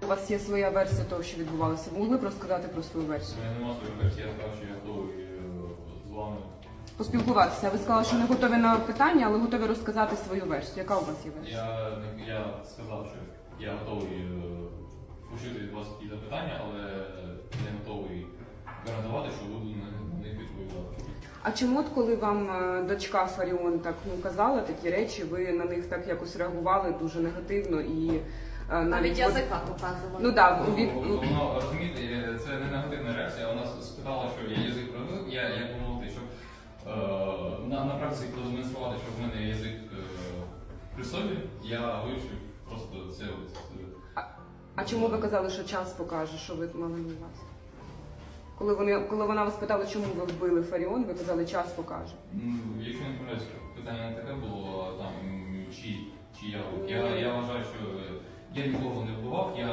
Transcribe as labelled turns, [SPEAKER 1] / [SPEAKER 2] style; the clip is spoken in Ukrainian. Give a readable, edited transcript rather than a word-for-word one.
[SPEAKER 1] У вас є своя версія того, що відбувалося. Ви могли б розказати про свою версію?
[SPEAKER 2] У мене немає своєї версії, я сказав, що я готовий з вами.
[SPEAKER 1] Поспілкуватися. Ви сказали, що не готові на питання, але готові розказати свою версію. Яка у вас є версія?
[SPEAKER 2] Я сказав, що я готовий почути від вас якісь запитання, але не готовий гарантувати, що буду на них відповідати.
[SPEAKER 1] А чому, от коли вам дочка Фаріон так казала такі речі, ви на них так якось реагували дуже негативно і
[SPEAKER 3] Навіть язика показували.
[SPEAKER 1] Ну так,
[SPEAKER 2] Воно, розумієте, це не негативна реакція. Вона спитала, що я язик провів, я помогти, щоб на практиці продемонструвати, що в мене язик при собі, я вирішив просто це.
[SPEAKER 1] А чому ви казали, що час покаже, що ви мали на увазі? Коли вона вас питала, чому ви вбили Фаріон, ви казали, час покаже.
[SPEAKER 2] Якщо не помиляюсь, питання не таке було, там, чи я вбив. Я вважаю, що я нікого не вбивав, я